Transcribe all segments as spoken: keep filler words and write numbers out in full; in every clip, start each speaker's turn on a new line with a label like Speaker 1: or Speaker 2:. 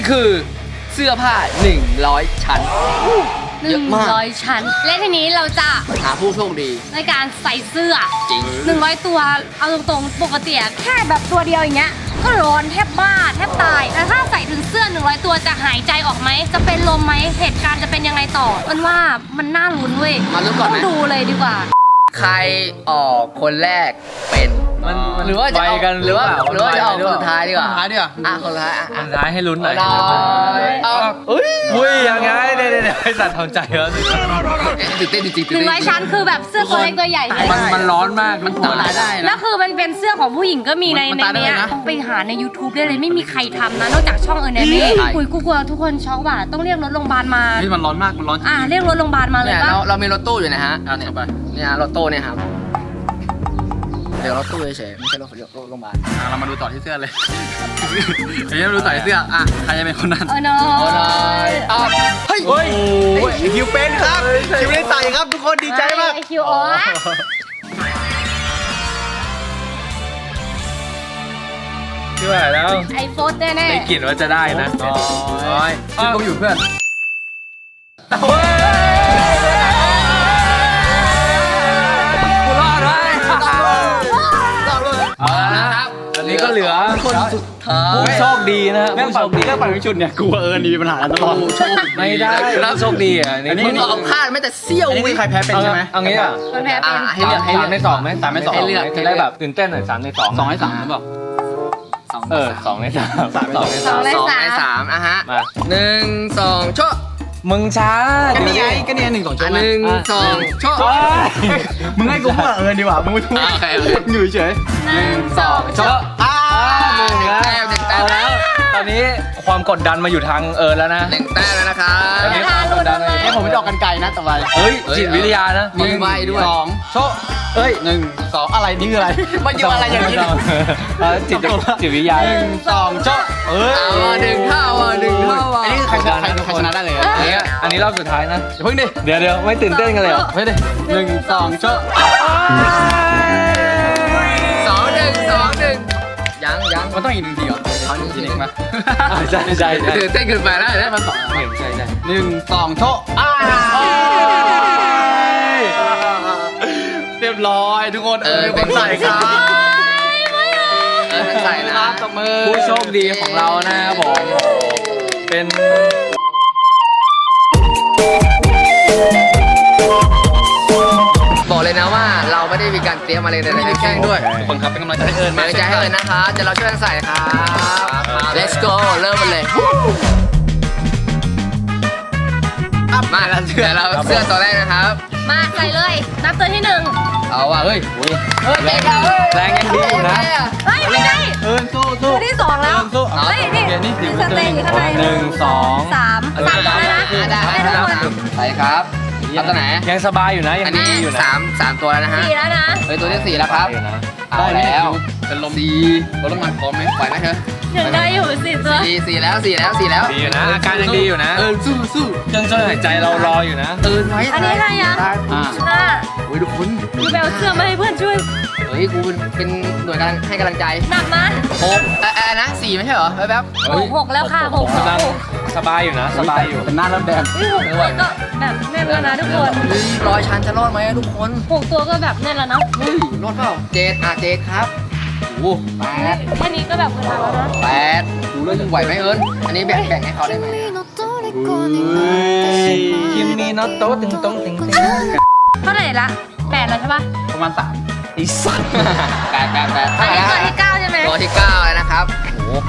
Speaker 1: คือเสื้อผ้าหนึ่งร้อยชั้น
Speaker 2: หนึ่งร้อยชั้นและทีนี้เราจะ
Speaker 1: หาผู้โชคดี
Speaker 2: ในการใส่เสื้อ
Speaker 1: จริง
Speaker 2: หนึ่งร้อยตัวเอาตรงๆปกติแค่แบบตัวเดียวอย่างเงี้ยก็ร้อนแทบบ้าแทบตายแต่ถ้าใส่ถึงเสื้อหนึ่งร้อยตัวจะหายใจออกไหมจะเป็นลมไหมเหตุการณ์จะเป็นยังไงต่อมันว่ามันน่าลุ้นเว้ย
Speaker 1: มาลุ้นก่อนไหม
Speaker 2: ต้องดูเลยดีกว่า
Speaker 1: ใครออกคนแรกเป็นมันหรือว่าจะเอาหรือว่าหรือว่าจะออกคนสุดท้ายดีกว่า
Speaker 3: คนสุดท้ายดีกว่า
Speaker 1: อ่ะคนสุดท้ายอ่ะ
Speaker 4: สุดท้ายให้ลุ้นหน่อย
Speaker 1: ได้เอาเฮ้ย
Speaker 4: อุ้ยยังไงเดี๋ยวเดี๋ยวไอ้สัตว์ทำใจแล้ว
Speaker 1: ตื่นเต้นจริงๆ
Speaker 2: ห
Speaker 1: ตื่น
Speaker 2: นึ่ง
Speaker 1: เต้น
Speaker 2: ร้อยชั้นคือแบบเสื้อตัวเล็กตัวใหญ่ใช่ไหม
Speaker 4: มันมันร้อนมากมัน
Speaker 3: ตายได้
Speaker 2: แล้
Speaker 3: นะ
Speaker 2: วคือมันเป็นเสื้อของผู้หญิงก็มีใน
Speaker 3: มัน
Speaker 2: ใน
Speaker 3: ตายได้
Speaker 2: เนี้ย
Speaker 3: เลยนะ
Speaker 2: ไปหาใน YouTube ได้เลยไม่มีใครทำนะนอกจากช่องเออร์เนมี่คุยกูกลัวทุกคนช็อกว่ะต้องเรียกรถโรงพยาบาลมา
Speaker 3: เฮ้ยมันร้อนมากมันร้อนจริง
Speaker 2: อ่ะเรียกรถโรงพยาบาลมาเลย
Speaker 1: เนี่ย
Speaker 2: ปะ
Speaker 1: เราเรามีรถตู้อยู่นะฮะ
Speaker 3: เอาเนี่ยไป
Speaker 1: เนี่ยรถตู้เนี่ยครับเดี๋ยวรถตู้เฉยๆไม่ใช่รถรถโรงพยาบาล
Speaker 3: อ่ะเรามาดูต่อที่เสื้อเลยเฮ้ยมาดูต่อที่เสื้ออ่ะใครจะเป็นคนนั้น
Speaker 2: เออเนา
Speaker 1: โอ้
Speaker 2: ะ
Speaker 1: ยอ่ะเฮ้ย
Speaker 4: เฮ้ย
Speaker 3: โอ้ยคิวเป็นครับคิวได้ใส่ครับทุกคนดีใจมาก
Speaker 2: ไอคิวอ๋อ
Speaker 4: ที่ว่าแล้ว
Speaker 2: ไอโฟสแน่ๆ
Speaker 4: ได้กลิ่นว่าจะได้นะ
Speaker 3: โอ้ยคิวก็อยู่เพื่อน
Speaker 4: กูรอดไว้
Speaker 1: เอาละนะครับ
Speaker 4: อันนี้ก็เหลือ
Speaker 1: คนสุดท้าย
Speaker 4: ผู้โชคดีนะ
Speaker 3: เรื่อง
Speaker 4: ผู้
Speaker 3: ปั่
Speaker 4: โช
Speaker 3: น
Speaker 4: คดี
Speaker 3: เรื่องปั่นวิชุดเนี่ยกูเออมีปัญหาตลอด
Speaker 1: ผู้โชคดี
Speaker 4: ไม่ได้ผู้โชคดีอ่ะ
Speaker 3: อันนี้
Speaker 1: มึงเอาพลาดไม่แต่เสี้ยว
Speaker 3: อันนี้
Speaker 1: วิ
Speaker 3: คือใครแพ้เป็นใช่ไหม
Speaker 4: เอางี้อ่ะ
Speaker 2: มันแพ้เป็น
Speaker 1: อ่ะให้เลือกให้
Speaker 4: สา
Speaker 1: เลื
Speaker 4: ม
Speaker 1: อก
Speaker 4: ในสองไหม
Speaker 3: สามในสอง
Speaker 1: ให้เลือก
Speaker 4: จะได้แบบตื่นเต้นหน่อยสามในสอง
Speaker 3: สองให้สามหรือเปล่า
Speaker 4: เออสองในสาม
Speaker 3: สามในสอง
Speaker 2: สองใน
Speaker 1: สอง
Speaker 2: สา
Speaker 1: ใน
Speaker 2: ม
Speaker 1: สามอ่ะฮะ
Speaker 4: มา
Speaker 1: หนึ่งสองโชะ
Speaker 4: มึงช้า
Speaker 3: ก็นี่ไงก็นี่หนึ่งสอง
Speaker 1: อ่ะ
Speaker 3: ชั่ว
Speaker 1: หนึ่งสองโชะ
Speaker 3: มึงให้กูพูดเออดีกว่ามึงไม่พูด
Speaker 1: โอเคโอเค
Speaker 3: อยู่เฉย
Speaker 2: หนึ่ง
Speaker 1: สองโชะ
Speaker 3: อ่า
Speaker 4: หนึ่งแล้ว
Speaker 1: แต้มหนึ่งแต้ม
Speaker 4: เอาแล้ว ตอนนี้ความกดดันมาอยู่ทางเอิร์นแล้วนะ
Speaker 1: หนึ่งแต้มแล้วนะครับ
Speaker 4: อันนี้ความกดดันเลย
Speaker 3: เนี่ยผมไม่จะออกกันไกลนะต่อไป
Speaker 4: เฮ้ยจิตวิทยานะ
Speaker 1: มีใบด้วย
Speaker 3: สองโชะเอ้ยหนึ่งสองอะไรนี่คืออะไร
Speaker 1: มันอยู่อะไรอย่างนี้
Speaker 4: เออจิตจิตวิทยา
Speaker 3: หนึ่งสองโชะเอ้ย
Speaker 1: เอาอ่ะหนึ่งเท่าอ่ะหนึ่งเท่าอ่ะ
Speaker 3: อันนี้คือใครชนะใครใครชนะได้เลย
Speaker 4: อันนี้อันนี้รอบสุดท้ายนะ
Speaker 3: อย่าเพิ่งดิ
Speaker 4: เดี๋ยวเดี๋ยวไม่ตื่นเต้นกันเลยเหรอ
Speaker 3: เฮ้ยดิหนึ่งสองโชะ
Speaker 1: สองหนึ่งสองหนึ่งยังยัง
Speaker 3: มันต้องอีกหนึ่งทีเหรอ
Speaker 1: เอาหนึ่งทีหนึ่งมา
Speaker 4: ใช่ใช่ใช่
Speaker 1: ตื่นเต้นเกินไปแล้วนะมันสอง
Speaker 4: ใช่ใช่ใช่
Speaker 3: หนึ่งสองโชะอ่าเรียบร้อยทุกคนเออเป็นคนใส่ครับ
Speaker 1: เออใส่นะ
Speaker 3: ตบมือ
Speaker 4: ผู้โชคดีของเรานะครับผมเป็น
Speaker 1: บอกเลยนะว่าเราไม่ได้มีการเตรียมอะไรเลย
Speaker 3: ไม่ได้แกล้งด้วย
Speaker 4: ทุกคนครับเป็นกำลังใจให้เอิญ
Speaker 1: มา
Speaker 4: มา
Speaker 1: ใจให้เลยนะคะจะเราช่วยกันใส่ครับ let's go เริ่มกันเลยมาแล้วเสื้อเราเสื้อตัวแรกนะครับ
Speaker 2: มาใส่เลย นับตัวที่หนึ่ง
Speaker 1: เอาว่ะเฮ้ย
Speaker 4: เฮ้ย
Speaker 1: เฮ้ยเก่งอ่ะเฮ้ย
Speaker 4: แรงยังดีอยู่นะ
Speaker 2: เฮ้ยไม่ได้
Speaker 3: เอิญสู้สู้
Speaker 2: ตัวที่สองแล้ว
Speaker 3: สู้
Speaker 2: เฮ้ยนี่มีสเตย์อยู่ข้างใน
Speaker 4: หนึ่งสอง
Speaker 2: สามสามตัวแล้วนะ
Speaker 1: อ่ะได้
Speaker 2: ให้
Speaker 1: ได้
Speaker 2: ทุก
Speaker 1: แล้ว
Speaker 2: คน
Speaker 1: ใส่ครับเอาตัวไหน
Speaker 4: ยังสบายอยู่นะยั
Speaker 1: อั
Speaker 4: ง
Speaker 1: น
Speaker 4: ดี
Speaker 1: นี้
Speaker 4: อยู่นะ
Speaker 1: สามสามตัวแล้วนะฮะ
Speaker 2: สี่แล้วนะ
Speaker 1: เฮ้ยตัวที่สี่แล้วครับ
Speaker 4: อยู่นะ
Speaker 1: เอาแล้ว
Speaker 3: เป็นลม
Speaker 1: สี่
Speaker 3: รถลงมาพร้อมไหม
Speaker 1: ไหวไหมเธอ
Speaker 2: ยังได้อยู่สี่ตัว
Speaker 1: สี่สี่แล้วสี่แล้วสี่แล้ว
Speaker 4: ดีอยู่นะอาการยังดีอยู่นะ
Speaker 3: เอิญสู้สู้
Speaker 4: เครื่องช่วยหายใจเรารออยู่นะ
Speaker 1: ตื่นไว้
Speaker 2: อันนี้ให้ยัง
Speaker 3: อ่า
Speaker 2: ห้า
Speaker 1: โอ้ยทุกคน
Speaker 2: คือไปเอาเสื้อมาให้เพื่อนช่วย
Speaker 1: เฮ้ยกูเป็นเป็นหน่วยกำลังให้กำลังใจ
Speaker 2: หนักนะ
Speaker 1: หกเอ่อนะสี่ไม่ใช่เหรอแป๊บ
Speaker 2: หกหกแล้วค่ะหกหก
Speaker 4: กำลัง
Speaker 2: หก
Speaker 4: สบายอยู่นะ สบายอยู่
Speaker 3: เป็นหน้าเริ่มแดง
Speaker 2: เฮ้ยหกตัวก็แบบแน่นแล้วนะทุกคน
Speaker 1: เฮ้ยร้อยชั้นจะรอดไหมอะทุกคน
Speaker 2: หกตัวก็แบบแน่นแล้วนะ
Speaker 1: เฮ้ยรอดเปล่าเจ็ดอ่ะเจ็ดครับโอ้โหแปด
Speaker 2: แค่นี้ก็แบบกระทำแล้วนะ
Speaker 1: แปดดูแล้วยังไหวไหมเอิญอันนี้แบ่งแบ่งให้เขาได้ไหม
Speaker 4: คิมมีน็อตโต๊ะตึงต้องตึงตึง
Speaker 2: เท่าไหร่ละแปดแล้วใช่ปะ
Speaker 3: ประมาณสาม
Speaker 4: ไอ้สัตว์
Speaker 1: แปดแปดแปด
Speaker 2: อัน
Speaker 1: เท่าไหร่
Speaker 2: นี้
Speaker 1: แล้ว
Speaker 2: ตัวที่เก้าใช่ไหม
Speaker 1: ตัวที่เก้าแล้วนะครับโอ้โห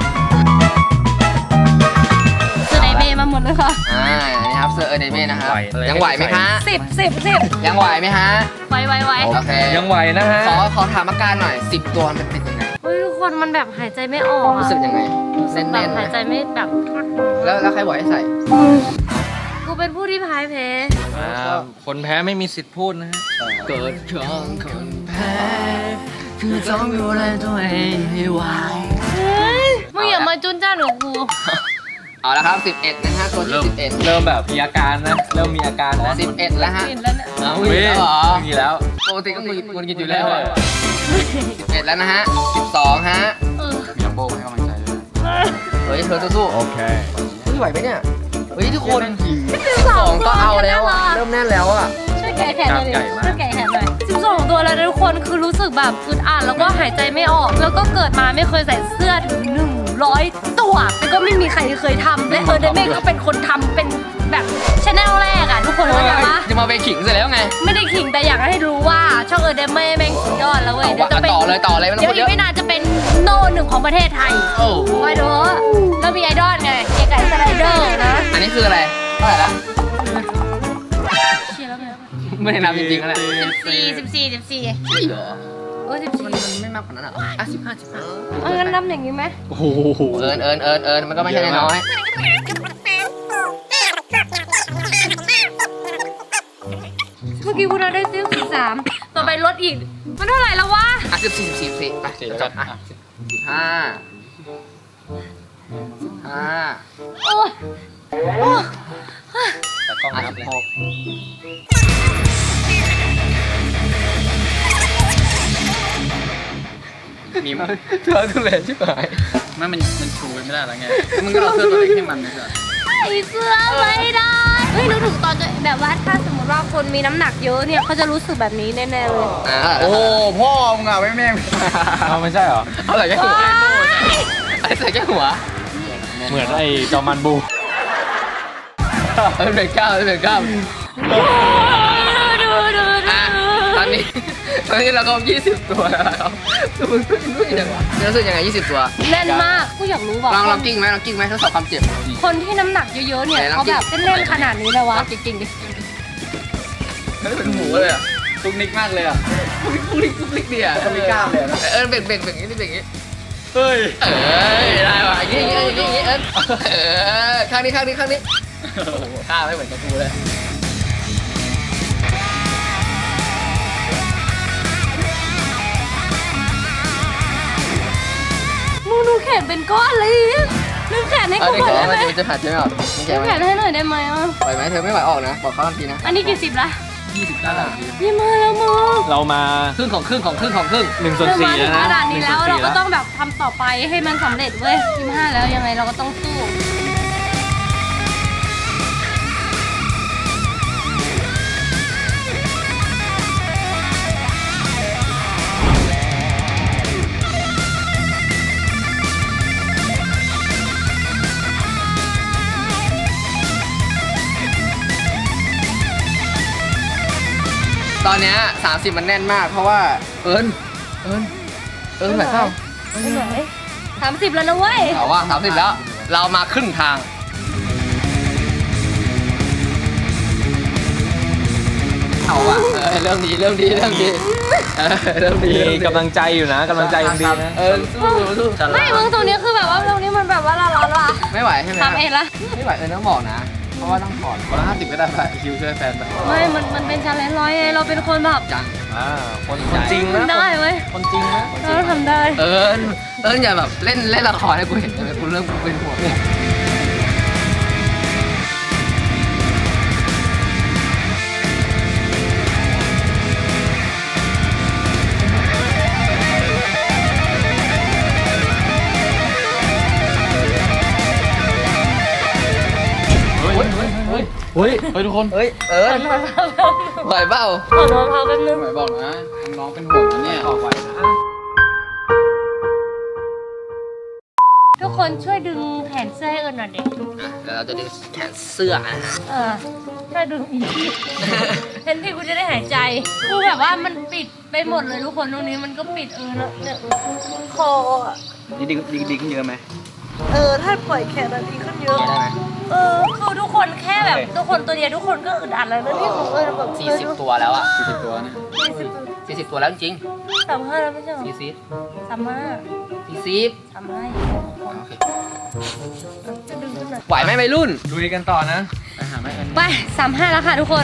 Speaker 2: คือในเบมาหมดเลยค่ะ
Speaker 1: อ่านี่ครับเสื้อเอเดเม่นะครับยังไหวไหมคะ
Speaker 2: สิบสิบสิบ
Speaker 1: ยังไหวไหมฮะ
Speaker 2: ไวไวไว
Speaker 1: โอเค
Speaker 4: ยังไหวนะฮะ
Speaker 1: ขอขอถามอาการหน่อยสิบตัวมันเป็นยังไง
Speaker 2: เฮ้ยทุกคนมันแบบหายใจไม่ออกอะ
Speaker 1: รู้สึกยังไง
Speaker 2: รู้สึกแบ
Speaker 1: แน่
Speaker 2: บ
Speaker 1: นๆไหม
Speaker 2: หายใจไม่แบบ
Speaker 1: แล้วแล้วใครบอกให้ใส่
Speaker 2: กูเป็นผู้ที่พ่ายแพ้
Speaker 4: อ่าคนแพ้ไม่มีสิทธิ์พูดนะฮะ
Speaker 1: เกิดของคนแพ้คือต้องดูแลตัวเองให้ไหว
Speaker 2: เฮ้ยมึงอย่ามาจุนจ้านหนูกู
Speaker 1: เอาละครับสิบเอ็ดนะฮะตัวที่
Speaker 4: เริ่ม
Speaker 1: สิบเอ็ด
Speaker 4: เริ่มแบบมีอาการนะ เริ่มมีอาการนะ
Speaker 1: สิบเอ็ดแล้วฮะ
Speaker 2: กินแล้วเนี่ย
Speaker 1: เอา
Speaker 4: เว้
Speaker 1: อีก
Speaker 4: ย
Speaker 1: แล้วเหรอ
Speaker 4: มีแล้ว
Speaker 1: ปกติก็มีคนกินอยู่แล้วอะสิบเอ็ดแล้วนะฮะสิบสองฮะ
Speaker 2: เออ
Speaker 3: มีลัมโบ้ให้กำลังใจด้วย
Speaker 1: เฮ้ยเธอสู้ๆ
Speaker 4: โอเค
Speaker 1: ไหวไหมเนี่ยเฮ้ยทุกคน
Speaker 2: สิบสอง
Speaker 1: ก็เอาแล้วอะ
Speaker 2: ตัว
Speaker 1: เริ่มแน่นแล้วอะ
Speaker 2: ช่วยแกะแขนหน่อยดิช่วยแกะแขนหน่อยสิบสองตัวแล้วนะทุกคนคือรู้สึกแบบอึดอัดแล้วก็หายใจไม่ออก แล้วก็เกิดมาไม่เคยใส่เสื้อถึงหนึ่งร้อยตัวแต่ก็ไม่มีใครเคยทำและเออเดเม่ก็เป็นคนทำเป็นแบบชแนลแรกอะทุกคนเข้าใจปะ
Speaker 3: จะมาไปขิงเสร็จแล้วไง
Speaker 2: ไม่ได้ขิงแต่อยากให้รู้ว่าช่องเออเดเม่แม่งสุดยอดแล้วเว้ยเดี๋ยวจะเป็น
Speaker 3: ต่อเลยต่อเลยไม่ต้อง
Speaker 2: เดี๋ยว
Speaker 3: พูด
Speaker 2: อี
Speaker 3: เย
Speaker 2: ก
Speaker 3: อะ
Speaker 2: ไม่นานจะเป็นโนหนึ่งของประเทศไทย
Speaker 3: โอ้
Speaker 2: ไว้ดูแล้วมีไอดอลไงเก๋ไก่สไลเดอร์นะ
Speaker 3: อันนี้คืออะไรเท่าไหร่ละ
Speaker 2: เชียร์แล้วไง
Speaker 3: ไม่ได้นับจริงๆแล้วแหละ
Speaker 2: สิบสี่สิบสี่สิบสี่
Speaker 3: ใช่เหรอ
Speaker 2: โอ้ยสิบ
Speaker 3: มั
Speaker 2: สี่
Speaker 3: นมันไม่มากกว่านั้นอ่ะอ่ะสิบห้าสิบห้า
Speaker 2: เอางั้นนับอย่างนี้ไหม
Speaker 4: โอ้โห
Speaker 3: เอิญเอิญเอิญเอิญมันก็ไม่ใช่น้อย
Speaker 2: เมื่อกี้คุณเราได้ซื้อสิบสามต่อไปลดอีกมันเท่าไหร่แล้ววะ
Speaker 3: อ่ะสิบสี่สิบสี่สิบไปเดี๋ยวจบอ่ะสิบห้าสิบห้า
Speaker 2: โอ้ยโอ้ย
Speaker 4: แต่กล้อง
Speaker 3: อ่ะ
Speaker 4: นับ
Speaker 3: สิ
Speaker 4: เล
Speaker 3: บ
Speaker 4: ย
Speaker 3: หก
Speaker 4: มีมั้ย
Speaker 3: เธอทุเรศชิบหาย
Speaker 4: ไม่มันมันชูไม่ได้แล้วไงมึงก็เอาเสื้อตัวเล็กให้มันไม่ใช่
Speaker 2: ใส่เสื้อไม่ได้เฮ้ยนึกถึงตอนจะแบบว่าถ้าสมมติว่าคนมีน้ำหนักเยอะเนี่ยเขาจะรู้สึกแบบนี้แน่ๆเลย
Speaker 3: อ่ะ
Speaker 4: โอ้พ่อมึงอ่ะไม่แม่งเอาไม่ใช่เหรอ
Speaker 3: เอาใส่แค่หัวไอ้ใส่แค่หัว
Speaker 4: เหมือนไอ้จอมันบู
Speaker 3: เออเบรกเก้าเบรกเก้า
Speaker 2: ดูดูดู
Speaker 3: อ่ะตอนนี้ตอนนี้เราก็ยี่สิบตัวแล้วครับมึงรู้ยังไงรู้สึกยังไงยี่สิบตัว
Speaker 2: แน่นมากกูอยากรู้ว่า
Speaker 3: ลองลองกิ้งไหมลองกิ้งไหมทดสอบความเจ็บ
Speaker 2: คนที่น้ำหนักเยอะๆเนี่ย
Speaker 3: ไหนลอง
Speaker 2: เขาแบบ
Speaker 3: กิน
Speaker 2: เล่นๆขนาดนี้เลยวะ
Speaker 3: ลองกิ้งกิ้งดิเฮ้ยเป็นหมูเลยอ่ะ
Speaker 4: ตุกนิกมากเลยอ่ะ
Speaker 3: ปุ๊กปุ๊กปุ๊กปุ๊กเดียว
Speaker 4: ก็มีกล้ามเลยนะ
Speaker 3: เออเบ่งเบ่งเบ่งอย่างนี้เบ่งอย่างนี้
Speaker 4: เฮ้ย
Speaker 3: เออได้ว่ะอย่างนี้อย่างนี้อย่างนี้เออเออข้างนี้ข้างนี้ข้างนี้ข้าไม่เหมือนกับกูเลย
Speaker 2: มึงดูแขนเป็นก้อนเลยนึกแขนให้
Speaker 3: อัน
Speaker 2: กู
Speaker 3: นี้
Speaker 2: หน่อย
Speaker 3: แข
Speaker 2: ได้
Speaker 3: น
Speaker 2: ไหม
Speaker 3: มันจะหัดใช่ไหมครับนี่แข
Speaker 2: นึ
Speaker 3: น
Speaker 2: ก
Speaker 3: ไห
Speaker 2: แข
Speaker 3: ม
Speaker 2: นให้หน่อยได้ไหมอ่ะ
Speaker 3: ไหวไหมเธอไม่ไหวออกนะบอกเขาทันทีนะ
Speaker 2: อันนี้กี่สิบละ
Speaker 3: ยี่สิบได้ละ
Speaker 2: ยี่มาแล้วมึง
Speaker 4: เรามา
Speaker 3: ครึ่งของครึ่งของครึ่งของครึ่ง
Speaker 4: หนึ่งส่วน
Speaker 2: เรา
Speaker 4: สี่
Speaker 2: มาถึ
Speaker 4: แล้ว
Speaker 2: ง
Speaker 4: นะ
Speaker 2: ขนาดนี้แล้ว
Speaker 4: ห
Speaker 2: เรา
Speaker 4: งส่
Speaker 2: ก็
Speaker 4: นสี่
Speaker 2: ต้องแบบทำต่อไปให้มันสำเร็จเว้ยยี่ห้าแล้วยังไงเราก็ต้องสู้
Speaker 3: ตอนเนี้ยสามสิบมันแน่นมากเพราะว่าเอิญเอิญเอิญไหวเปล่า
Speaker 2: ไม่ไหวสามสิบแล้วนะเว้ย
Speaker 3: เอาว่าสามสิบแล้ว เรามาครึ่งทางเอาว่ะเออเริ่มดีเริ่มดีเริ่มดีเออเริ่มดี
Speaker 4: มี
Speaker 3: เริ่มดี
Speaker 4: กำลังใจอยู่นะกำลังใจยังดีนะ
Speaker 3: เออสู้สู้
Speaker 2: ไม่มึงตรงนี้คือแบบว่าตรงนี้มันแบบว่าละละละ
Speaker 3: ไม่ไหวใช่ไหม
Speaker 2: ทำเองละ
Speaker 3: ไม่ไหวเออต้องบอกนะ เพราะว่าต้องถอดคนละห้าสิบก็ได้ไปคิวช่วยแฟนไป
Speaker 2: ไม่มันมันเป็นชาเลนจ์ร้อยไงเราเป็นคนแบบ
Speaker 3: จัง
Speaker 4: อ่าคนคนจริงนะ
Speaker 2: ทำได้เว้ย
Speaker 4: คนจริงนะ
Speaker 2: เราทำได้
Speaker 3: เอิญเอิญอย่าแบบเล่นเล่นละครให้กูเห็นเลยกูเริ่มเป็นห่วงเนี่ย
Speaker 4: เฮ้ยเฮ้ยเฮ้ยเฮ้ยเฮ้ยทุกคน
Speaker 3: เฮ้ยเอิญไหวเปล่า
Speaker 2: ขอโทษพาแป๊บนึง
Speaker 4: ไหวบอกนะน้องเป็นห่วงนะเนี่ยออกไหวนะ
Speaker 2: ทุกคนช่วยดึงแขนเสื้อให้เอิญหน่อยเด็ก
Speaker 3: อ่ะเดี๋ยวเราจะดึงแขนเสื้อนะฮะ
Speaker 2: เออช่วยดึงอีกทีเห็นที่กูจะได้หายใจกูแบบว่ามันปิดไปหมดเลยทุกคนตรงนี้มันก็ปิดเออแล้วเนี่ยคออะ
Speaker 4: นี่ดีดีดีขึ้นเยอะไหม
Speaker 2: เออถ้าปล่อยแขนอะดีขึ้นเยอะ
Speaker 3: ได้ไหม
Speaker 2: เออคือทุกคนแค่แบบทุกคนตัวเดียวทุกคนก็อึดอัดแล้วนะที่ของเออแบบ
Speaker 3: สี่สิบตัวแล้วอ่ะ
Speaker 4: สี่สิบตัวนะ
Speaker 2: สี่สิบ
Speaker 3: สี่สิบตัวแล้วจริง
Speaker 2: สามห้าแล้วไม่ใช่เหรอ
Speaker 3: สี่สิบ
Speaker 2: สามห้า
Speaker 3: สี่สิบ
Speaker 2: สามห้า
Speaker 3: โอเค
Speaker 2: จะดึงขึ้นหน่อย
Speaker 3: ไหวไหมวัยรุ่น
Speaker 4: ดูดีกันต่อนะไปหาแม่กัน
Speaker 2: ไปสามห้าแล้วค่ะทุกคน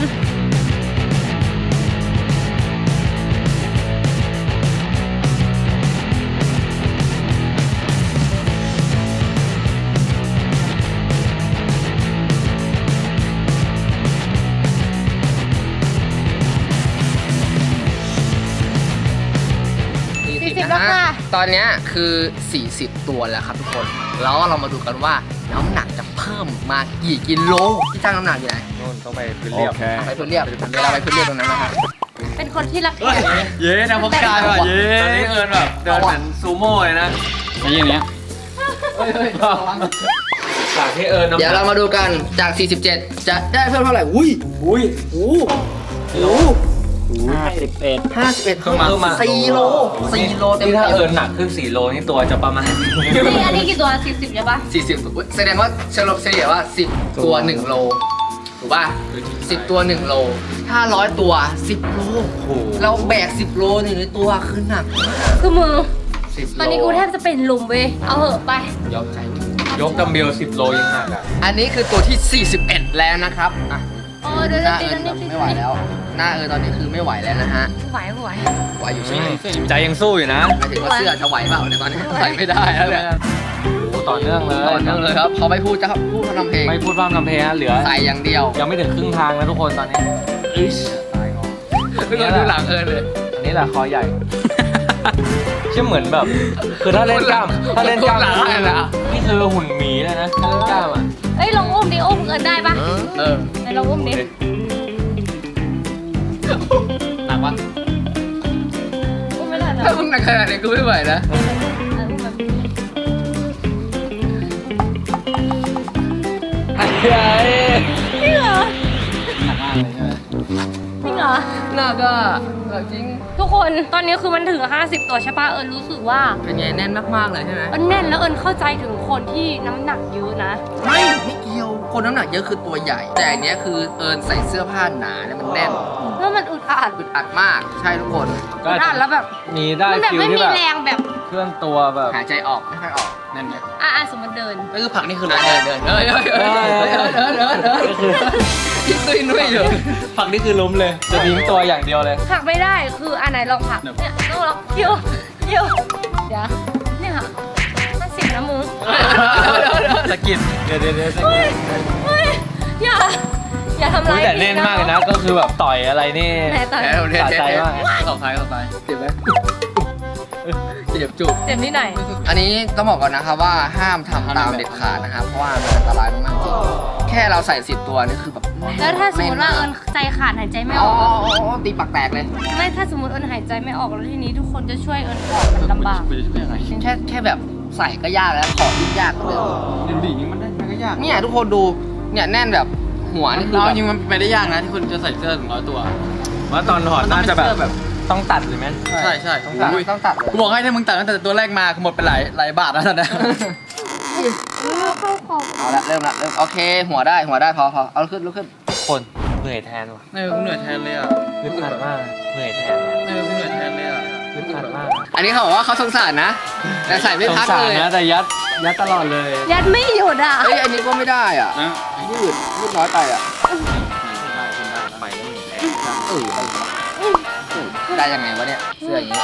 Speaker 3: สี่
Speaker 2: สี่สิ
Speaker 3: สิ
Speaker 2: บบ แล้ว
Speaker 3: นะ
Speaker 2: ค่ะ
Speaker 3: ฮะตอนเนี้ยคือ สี่สิบ ตัวแล้วครับทุกคน แล้วเรามาดูกันว่าน้ำหนักจะเพิ่มมากี่กิโลที่ตั้งน้ำหนักอยู่ไหน
Speaker 4: นู่นต้องไปพื้นเรียบ
Speaker 3: ไปพื้นเรียบเวลาไปพื้นเรียบตรงนั้นนะฮะ
Speaker 2: เป็นคนที่รักแขก
Speaker 4: เย้นะพวกกายว่ะเย้ตอนนี้เอิญแบบเดินเหมือนซูโม่เลยนะไม่อย่างเนี้ย
Speaker 3: เฮ้ยเฮ้ย
Speaker 4: จากที่เอิญ
Speaker 3: เดี๋ยวเรามาดูกันจาก สี่สิบเจ็ด จะได้เพิ่มเท่าไหร่อุ้ย
Speaker 4: อุ้ย
Speaker 3: โอ้โห
Speaker 4: ห้าสิบเอ็ด
Speaker 3: ห้าสิบเอ็ดเพิ่มมาสี่โลสี่โลเต็ม
Speaker 4: นี่ถ้า
Speaker 3: เต็
Speaker 4: เอิ
Speaker 3: ม
Speaker 4: ญหนักขึ้นสี่โลนี่ตัวจะประมาณ
Speaker 2: นี่อันนี้กี่ตัวสี่สิบใช่ปะ
Speaker 3: สี่สิบแสดงว่าเฉลี่ยเฉลี่ยว่าสิบตัวหนึ่งโลถูกป่ะสิบตัวหนึ่งโลถ้าร้อยตัวสิบโล
Speaker 4: โอ้โห
Speaker 3: เราแบกสิบโลหนึ่งในตัวคือหนัก
Speaker 2: คือมือ
Speaker 3: สิบโล
Speaker 2: ตอนนี้กูแทบจะเป็นลุมเว้ย เอาเหอะไป
Speaker 3: ยอมใจ
Speaker 4: ยกดัมเบลสิบโลยังหนักอ่ะ
Speaker 3: อันนี้คือตัวที่สี่สิบเอ็ดแล้วนะครับอ่ะ
Speaker 2: โอ้เดี๋ยว
Speaker 3: ห
Speaker 2: เดี๋ยว
Speaker 3: น้า
Speaker 2: ตี
Speaker 3: เอิญ
Speaker 2: นั่นนี่
Speaker 3: ไม่ไหวแล้ว หน้าเอิญตอนนี้คือไม่ไหวแล้วนะฮะ
Speaker 2: ไหวไหว
Speaker 3: ไหวอยู่ใช่ไหม
Speaker 4: ใจยังสู้อยู่นะ
Speaker 3: หมายถึงว่าเสื้อจะไหวเปล่าในยตอนนี้ไหวไม่ได้แล้วเนี่ย
Speaker 4: โอ้ต่อเนื่องเลย
Speaker 3: ต่อเนื่องเลยครับเขาไม่พูดจะพูดเขาทำเพลง
Speaker 4: ไม่พูดพร่ำทำเพลงนะเหลือ
Speaker 3: ใส่อย่างเดียว
Speaker 4: ยังไม่ถึงครึ่งทางแล้วทุกคนตอนนี้อิชตายงอ
Speaker 3: ไม่ต้องดูหลังเอิญเลย
Speaker 4: อันนี้แหละคอใหญ่ เชื่อเหมือนแบบ คือถ้าเล่นกล้ามถ้าเล่นกล้าม
Speaker 3: หลังเลยนะ
Speaker 4: นี่คือหุ่นหมีเลยนะถ้าเล่นกล้ามอ่ะ
Speaker 2: เอ้ยลองอุ้มดิอุ้มเอินได้ปะ
Speaker 3: เออ
Speaker 2: ไหนลองอุ้มดิ
Speaker 3: หนักปะ
Speaker 2: อุ้มไม่ได้นะ
Speaker 3: ถ้ามึงหนักขนาดนี้กูไม่ไหวนะ
Speaker 2: เอออุ้มแบบนี้
Speaker 4: ไอ้ไอ้
Speaker 2: จริงเหรอ
Speaker 4: หนักมากเลยใช่ไหม
Speaker 2: จริงเหรอ
Speaker 3: หนักอ่ะหนักจริง
Speaker 2: ทุกคนตอนนี้คือมันถึงห้าสิบตัวใช่ปะเอิญรู้สึกว่า
Speaker 3: เป็นไงแน่นมากๆเลยใช่ไหม
Speaker 2: เอิญแน่นแล้วเอิญเข้าใจถึงคนที่น้ำหนักเยอะนะ
Speaker 3: ไม่ไม่เกี่ยวคนน้ำหนักเยอะคือตัวใหญ่ แต่อันเนี้ยคือเอิญใส่เสื้อผ้าหนาเนี่ยมันแน่น
Speaker 2: แล้วมันอึดอัด
Speaker 3: อึดอัดมากใช่ทุกคน
Speaker 4: ก็
Speaker 2: อึดอัดแล้วแบบ
Speaker 4: มีได้
Speaker 2: มันแบบ
Speaker 4: ฟิล
Speaker 2: ไม่
Speaker 4: ที่
Speaker 2: มี
Speaker 4: แบบ
Speaker 2: แรงแบบ
Speaker 4: เคลื่อนตัวแบบ
Speaker 3: หายใจออกไม่ค่อยออกนั่นไง
Speaker 2: อ่ะอ่ะสมมติเดิน
Speaker 3: ก็คือผักนี่คือเดินเดินเดินเฮ้ยเฮ้ยเฮ้ยเฮ้ยเฮ้ยเฮ้ยเฮ้ยเฮ้ยยิ่งตุ้ยนุ้ยอยู่
Speaker 4: ผักนี่คือล้มเลย จะทิ้งตัวอย่างเดียวเลย
Speaker 2: ผลักไม่ได้คืออันไหนลองผลักเนี่ยต้องลองคิวคิวเดี๋ยวเนี่ยค่ะห้าสิบนะมึง
Speaker 4: สะกิดเดี๋ยวเดี๋ยวเดี๋ยวสะ
Speaker 2: เฮ้
Speaker 4: กิ
Speaker 2: ย
Speaker 4: ด
Speaker 2: เฮ้ยอย่าอย่าทำ
Speaker 4: อุ๊
Speaker 2: ร้าย ย
Speaker 4: แต่แน่นมากเลยนะ ก็คือแบบต่อยอะไรนี่
Speaker 2: ไหนต่อย
Speaker 4: สะใจมาก
Speaker 3: เข้าไปเข้าไปเจ็บไหมเจ็บจุก
Speaker 2: เจ็บที่ไหน
Speaker 3: อันนี้ต้องบอกก่อนนะครับว่าห้ามทำตามเด็ดขาดนะครับเพราะว่ามันอันตรายมากๆจริงแค่เราใส่สิบตัวนี่คือแบบน่น
Speaker 2: แล้วถ้าสมมติว่าเอิญใจขาดหายใจไม่อ
Speaker 3: อ๋อ
Speaker 2: อก
Speaker 3: อ๋ออ๋อตีปากแตกเลย
Speaker 2: ไม่ถ้าสมมติเอิญหายใจไม่ออกแล้วทีนี้ทุกคนจะช่วยเอิญออกมันลำบาก
Speaker 3: แค่แค่แบบใส่ก็ยากแล้วขอยิ่งยากกว่าเดิม
Speaker 4: ดินดีมันได้มันก็ยาก
Speaker 3: เนี่ยทุกคนดูเนี่ยแน่นแบบหัวนี่คือ
Speaker 5: เอา
Speaker 3: แบบ
Speaker 5: จริงมันไม่ได้ยากนะที่คุณจะใส่เสื้อถึงร้อยตัว
Speaker 4: ว่าตอนถอดน่าจะแบบต้องตัดเลยไหม
Speaker 5: ใช่ใช่
Speaker 3: ต้องตัด
Speaker 5: อุ้ย
Speaker 3: ต้องตัดเลย
Speaker 5: กูบอกให้ถ้ามึงตัดตั้งแต่ตัวแรกมาคือหมดไปหลายหลายบาทแล้วตอนนี้
Speaker 2: เข้าคอ
Speaker 3: เอาละเริ่มละเริ่มโอเค หัวได้หัวได้พอพอเอาลุกขึ้นลุกขึ้น
Speaker 4: คนเหนื่อยแทนว่ะ
Speaker 5: เออกูเหนื่อยแทนเลยอ่ะ
Speaker 4: อึดอัดมากเหนื่อยแทน
Speaker 5: เออกูเหนื่อยแทนเลยอ่ะ
Speaker 4: อึดอัดมาก
Speaker 3: อันนี้เขาบอกว่าเขาสงสารนะ แต่ใส่ไม่
Speaker 4: สง
Speaker 3: พัก
Speaker 4: สาร
Speaker 3: เลย
Speaker 4: นะแต่ยัดยัดตลอดเลย
Speaker 2: ยัดไม่หยุดอ่ะ
Speaker 3: เอ้ยอันนี้ก็ไม่ได้อ่ะ
Speaker 5: นะ
Speaker 3: ยืดยืดน้อยไปอ่ะ
Speaker 4: ไปแล้วหนึ่งแรง
Speaker 3: เออไปเออได้ยังไงวะเนี่ยเสื้ออย่างนี้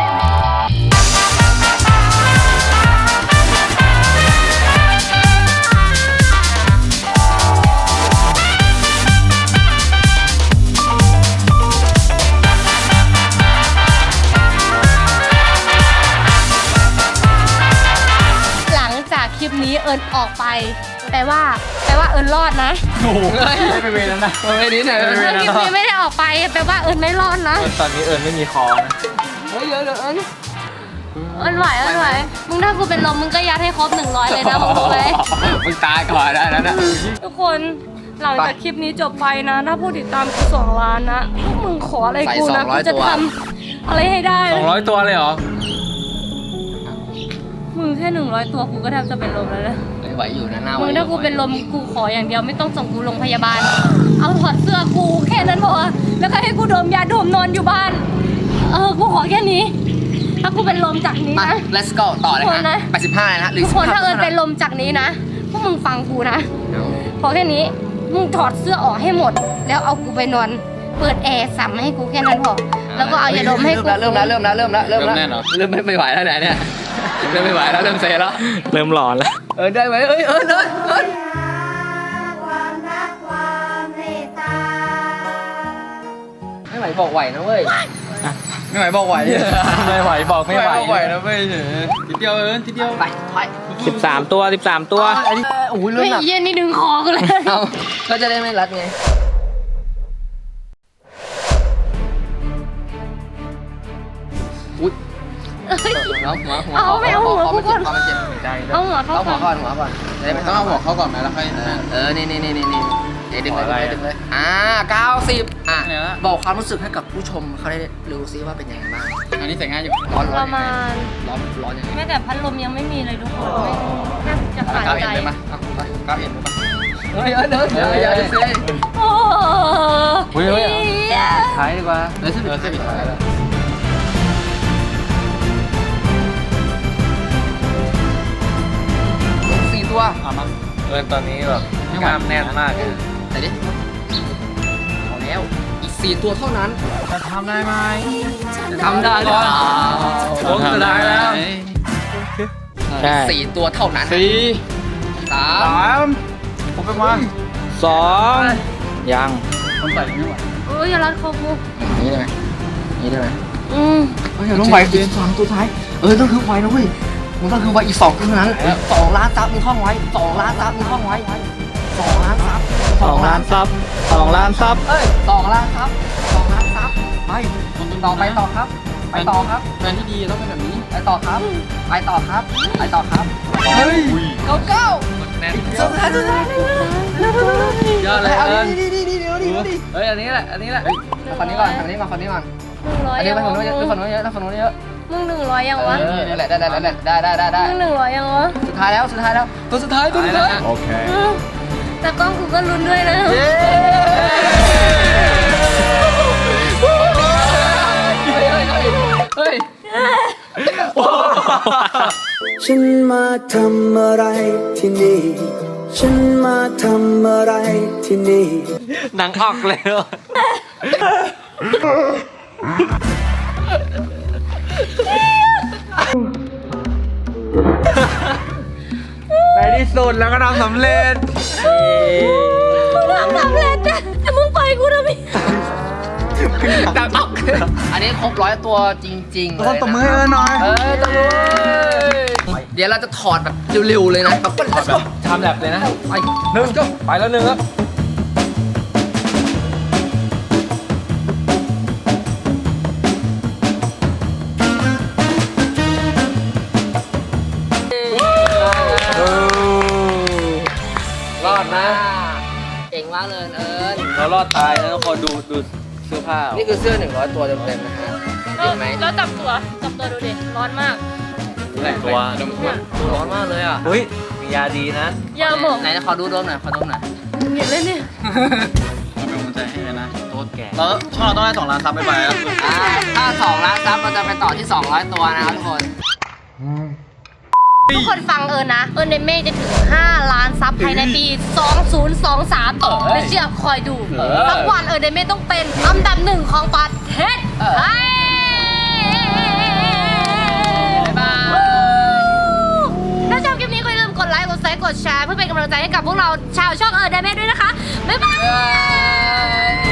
Speaker 2: หลังจากคลิปนี้เอิญออกไปแปลว่าแปลว่าเอิญรอดนะ
Speaker 4: โอ้โหไม่ไปเวรแล้วนะ
Speaker 3: เอาไปนิดหน่อย
Speaker 4: ไม่
Speaker 3: เฮ้
Speaker 4: เป็นไร
Speaker 2: คลิปนี้ไม่ได้ออกไปแปลว่าเอิญไม่รอดนะ
Speaker 4: ตอนนี้เอิญไม่มีคอนะ
Speaker 3: ยเดี๋ยวเดี๋ยวเอ้ย
Speaker 2: เอิญไหวเอิญไหวมึงถ้ากูเป็นลมมึงก็ยัดให้ครบหนึ่งร้อยเลยนะมึงรู้ไหม
Speaker 3: มึงตายก่อนได้แล้วนะ
Speaker 2: ทุกคนหลังจากคลิปนี้จบไปนะ ถ้าผู้ติดตามกูสองล้านนะพวกมึงขออะไรกูนะกูจะทำอะไรให้ได้
Speaker 4: สองร้อยตัวเลยเหรอ
Speaker 2: มึงแค่หนึ่งร้อยตัวกูก็แทบจะเป็นลมแล้วนะ
Speaker 3: ไม่ไหวอยู่นะหน้า
Speaker 2: มึงถ้ากูเป็นลมกูขออย่างเดียวไม่ต้องส่งกูโรงพยาบาล เอาถอดเสื้อกูแค่นั้นพอแล้วก็ให้กูดมยาดมนอนอยู่บ้าน เออกูขอแค่นี้ ถ้ากูเป็นลมจากนี้
Speaker 3: มา
Speaker 2: นะ
Speaker 3: let's go ต่อเลย
Speaker 2: ทุกคน
Speaker 3: ฮะ
Speaker 2: นะ
Speaker 3: แปดสิบห้าเลยนะหรือ
Speaker 2: ทุกคนถ้าเอิญเป็นลมจากนี้นะพวกมึงฟังกูนะพอแค่นี้มึงถอดเสื้อออกให้หมด แล้วเอากูไปนอนเปิดแอร์สั่มให้กูแค่นั้นพอแล้วก็เอายาดมให้กู
Speaker 3: เริ่มแล้วเริ่มแล้วเริ่มแล้วเริ่มแล้ว
Speaker 5: เริ่มแน่นเหรอ
Speaker 3: เริ่มไม่ไหวแล้วไหนเนี่ยเริ่มไม่ไหวแล้วเริ่มเซแล้ว
Speaker 4: เริ่มหลอนแล้ว
Speaker 3: เออได้ไหมเอ้ยเออเออเออ
Speaker 6: ความรักความเมตตา
Speaker 3: ไม่ไหวบอกไหวนะเว้ย
Speaker 5: ไม่ไหวบอกไหว
Speaker 4: ไม่ไหวบอกไม่ไหว
Speaker 5: บอกไหวนะเว้ยเฉยทีเดียวเอิญทีเดียว
Speaker 3: ไปไป
Speaker 4: สิบสามตัวสิบสามตัว
Speaker 3: อันนี้โอ้ยเลือด
Speaker 2: ไม่
Speaker 3: หนัก
Speaker 2: เย็นนี่ดึงคอกูเลย
Speaker 3: เอาก็จะได้ไม่รัดไงอุ้ยเอาหัวหัว
Speaker 2: เอาไม่เอาหัวกูก่อน
Speaker 3: คอมันเจ็บ
Speaker 4: ใจ
Speaker 2: เอาหัวเข้า
Speaker 3: เอาหั
Speaker 2: ก่
Speaker 3: ว
Speaker 2: อน
Speaker 3: ก่อนหัวก่อนจะได้ไม่
Speaker 5: ต้องเอาหัวเข้าก่อนไหมแล้วค่อย
Speaker 3: เออเออนี่นี่นี่นี่นี่เดี๋ยวดึงเลยดึงเลยอ่าเก้าสิบอ่ะ
Speaker 5: เนี่ยนะ
Speaker 3: บอกความรู้สึกให้กับผู้ชมเขาได้รู้ซิว่าเป็นยังไงบ้าง
Speaker 5: อันนี้ใส่ง่ายอยู่
Speaker 3: ร้อน
Speaker 2: ป
Speaker 3: ร้อน
Speaker 2: ระ
Speaker 3: ยังไง
Speaker 2: มาณ
Speaker 3: ร้อนร้อนยังไง
Speaker 2: แม้แต่พัดลมยังไม่มีเลยทุกคนไม่แทบจะขาด
Speaker 5: ก้าว
Speaker 2: ใจ
Speaker 5: เอ็นเลยมั้ยเอาไปก้าวเอ็นเลยมั้ย
Speaker 3: เฮ้ยเฮ้ยเดินเดี๋ยวเดี๋ยวเดี๋ยวเดี๋ยว
Speaker 2: โอ้
Speaker 4: เฮ้ยเฮ้ย
Speaker 2: เหี้ย
Speaker 4: ท้ายดีกว่า
Speaker 3: เดี๋ยว
Speaker 5: เออเส้นปิดท้ายแล้ว
Speaker 3: สี่ตัว
Speaker 5: เอามา
Speaker 4: เออตอนนี้แบบกล้ามแน่นมากเลย
Speaker 3: แต่ดิเอาแล้วอีกสี่ตัวเท่านั้น
Speaker 5: จะทำได้ไหม
Speaker 3: ทำได้หรือเปล่า
Speaker 4: โค้งสุดท้ายแล้ว ใช่
Speaker 3: สี่ตัวเท่านั้น
Speaker 5: สี่
Speaker 3: สาม
Speaker 5: สามผมเป็นวัน
Speaker 4: สองยัง
Speaker 5: คนใส่ไม่ไหว
Speaker 2: โอ้ยอย่ารัดคอกู
Speaker 3: นี่ได้ไหมนี่ได้ไหม
Speaker 2: อืม
Speaker 3: เฮ้ยอย่าลงไปอีกสองตัวท้ายเออต้องคือไวนะเว้ยมึงต้องคือไวอีกสองตัวเท่านั้นสองล้านซับมึงท่องไว้สองล้านซับมึงท่องไว้สองล้านซับ
Speaker 4: สองล้านซับสองล้านซับ
Speaker 3: เอ้ยสองล้านซับสองล้านซับไปต่อไปต่อครับ ไปต่อครับ
Speaker 5: แฟนที่ดีต้องเป็นแบบนี้
Speaker 3: ไปต่อครับ ไปต่อครับ ไปต่อครับ เฮ้ยเก้าเก้า
Speaker 4: แน่น
Speaker 3: สุดท้ายสุดท้าย
Speaker 4: ยอดเลย
Speaker 3: เอา
Speaker 4: เอิญ
Speaker 3: ดีดีดีดีดีดี
Speaker 4: เฮ้ยอันนี้แหละอันนี้แหละ
Speaker 3: คนนี้ก่อนคนนี้ก่อนคนนี้ก่อน
Speaker 2: หนึ่งร้อย
Speaker 3: อันนี้
Speaker 2: ยัง
Speaker 3: ไปฝั่ง
Speaker 2: วะ
Speaker 3: นู้นเยอะไปฝั่งนู้นเยอะไปฝั่งนู้นเยอะ
Speaker 2: มึงหนึ่งร้อยยังวะ
Speaker 3: เออนั่นแหละได้ได้ได้ได้ได้ได้ได้
Speaker 2: มึงหนึ่งร้อยยังวะ
Speaker 3: สุดท้ายแล้วสุดท้ายแล้วตัวสุดท้ายตัวสุดท้าย
Speaker 4: โอเค
Speaker 2: อืมแต่กล้องกูก็ลุ้นด้วยนะ
Speaker 3: เย้เฮ้ยเฮ้ยเฮ้ย
Speaker 7: ฉันมาทำอะไรที่นี่ ฉันมาทำอะไรที่นี่
Speaker 4: หนังออกเลยเหรอไปที่สุดแล้วก็ทำสำเร็จ
Speaker 2: ทำสำเร็จนะแต่มึงปล่อยกูนะพี่
Speaker 3: ดังออกอันนี้ครบร้อยตัวจริงๆเลย
Speaker 5: คนตบมือให้เอิญหน่อย
Speaker 3: เออตบมือเดี๋ยวเราจะถอดแบบเร็วๆเลยนะแบบ
Speaker 4: แบบทำแบบเลยนะ
Speaker 3: ไป
Speaker 4: หนึ่งไปแล้วหนึ่งครับรอดนะ
Speaker 3: เก่งมากเลยเอิญ
Speaker 4: เรารอดตายนะทุกคนดูดูเสื้อผ้า
Speaker 3: นี่คือเสื้อหนึ่งร้อยตัวเต็มๆนะฮะเห็นไหม
Speaker 2: แล้วจับตัวจับตัวดูดิร้อนมาก
Speaker 4: ตัว
Speaker 2: เนี่ย
Speaker 3: ร้อนมากเลยอ่ะ
Speaker 4: เฮ้ยมียาดีนะ
Speaker 2: ยาหมอง
Speaker 3: ไหนขอดูโดมหน่อยขอดูหน่อย
Speaker 2: เห็นเลยเนี่ย
Speaker 5: เราเป็นกำลังใจให้เลยนะ
Speaker 4: โทษแก
Speaker 5: แล้วช่องเราต้องได้สองล้านซับไปไปแล้ว
Speaker 3: อ่าถ้าสองล้านซับเราจะไปต่อที่สองร้อยตัวนะครับทุกคน
Speaker 2: ทุกคนฟังเอิญนะ เอิญในเมฆจะถึงห้าล้านซับภายในปี สองพันยี่สิบสาม ไม่เชื่อคอยดูสักวันเอิญในเมฆต้องเป็นอันดับหนึ่งของประเทศไทย
Speaker 3: บ๊ายบาย
Speaker 2: ถ้าชอบคลิปนี้ก็อย่าลืมกดไลค์ กดแชร์ กดแชร์เพื่อเป็นกำลังใจให้กับพวกเราชาวช่องเอิญในเมฆด้วยนะคะ บ๊ายบาย